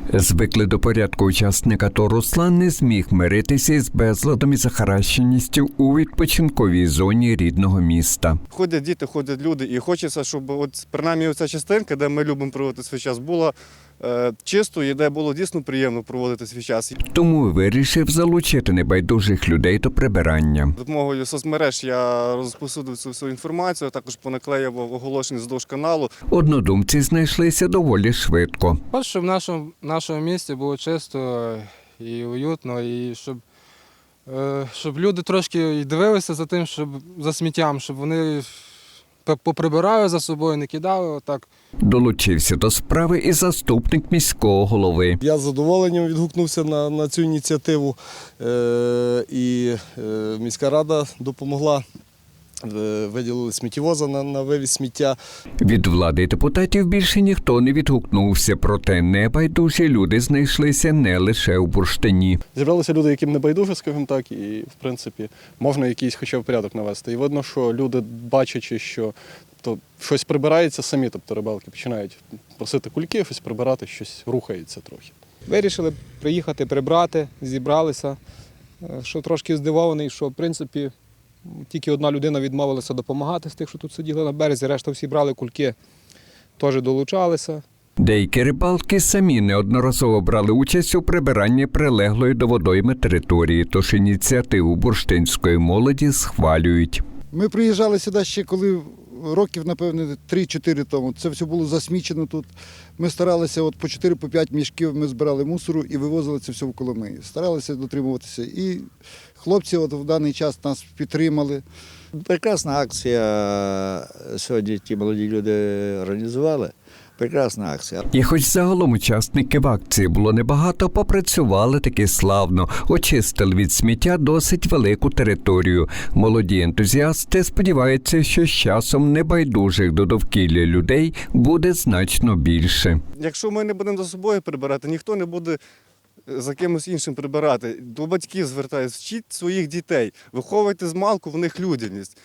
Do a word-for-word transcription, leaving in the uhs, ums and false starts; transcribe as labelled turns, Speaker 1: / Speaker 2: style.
Speaker 1: Звикли до порядку учасник АТО Руслан не зміг миритися із безладом і захаращеністю у відпочинковій зоні рідного міста.
Speaker 2: Ходять діти, ходять люди, і хочеться, щоб от, принаймні оця частинка, де ми любимо проводити свій час, була е, чистою і де було дійсно приємно проводити свій час.
Speaker 1: Тому вирішив залучити небайдужих людей до прибирання.
Speaker 2: За допомогою соцмереж я розпосудив цю всю інформацію, також понаклеїв оголошення вздовж каналу.
Speaker 1: Однодумці знайшлися доволі швидко.
Speaker 3: От, щоб в нашому, нашому місті було чисто і уютно, і щоб, е, щоб люди трошки й дивилися за тим, щоб за сміттям, щоб вони поприбирали за собою, не кидали отак.
Speaker 1: Долучився до справи і заступник міського голови.
Speaker 4: Я з задоволенням відгукнувся на, на цю ініціативу, е, і е, міська рада допомогла. Виділили сміттєвоза на, на вивіз сміття.
Speaker 1: Від влади і депутатів більше ніхто не відгукнувся, проте небайдужі люди знайшлися не лише у Бурштині.
Speaker 5: Зібралися люди, яким не байдуже, скажімо так, і, в принципі, можна якийсь хоча б порядок навести. І видно, що люди, бачачи, що тобто, щось прибирається самі, тобто рибалки починають просити кульки, щось прибирати, щось рухається трохи.
Speaker 6: Вирішили приїхати, прибрати, зібралися. Що трошки здивований, що, в принципі, тільки одна людина відмовилася допомагати з тих, що тут сиділи на березі, решта всі брали кульки, теж долучалися.
Speaker 1: Деякі рибалки самі неодноразово брали участь у прибиранні прилеглої до водойми території, тож ініціативу бурштинської молоді схвалюють.
Speaker 7: Ми приїжджали сюди ще коли років, напевне, три-чотири тому. Це все було засмічено тут. Ми старалися, от по чотири-п'ять мішків ми збирали мусору і вивозили це все в Коломиї. Старалися дотримуватися. І хлопці от в даний час нас підтримали.
Speaker 8: Прекрасна акція сьогодні ті молоді люди організували. Прекрасна акція.
Speaker 1: І хоч загалом учасників акції було небагато, попрацювали таки славно. Очистили від сміття досить велику територію. Молоді ентузіасти сподіваються, що з часом небайдужих до довкілля людей буде значно більше.
Speaker 2: Якщо ми не будемо за собою прибирати, ніхто не буде за кимось іншим прибирати. До батьків звертаюся, вчіть своїх дітей, виховуйте з малку в них людяність.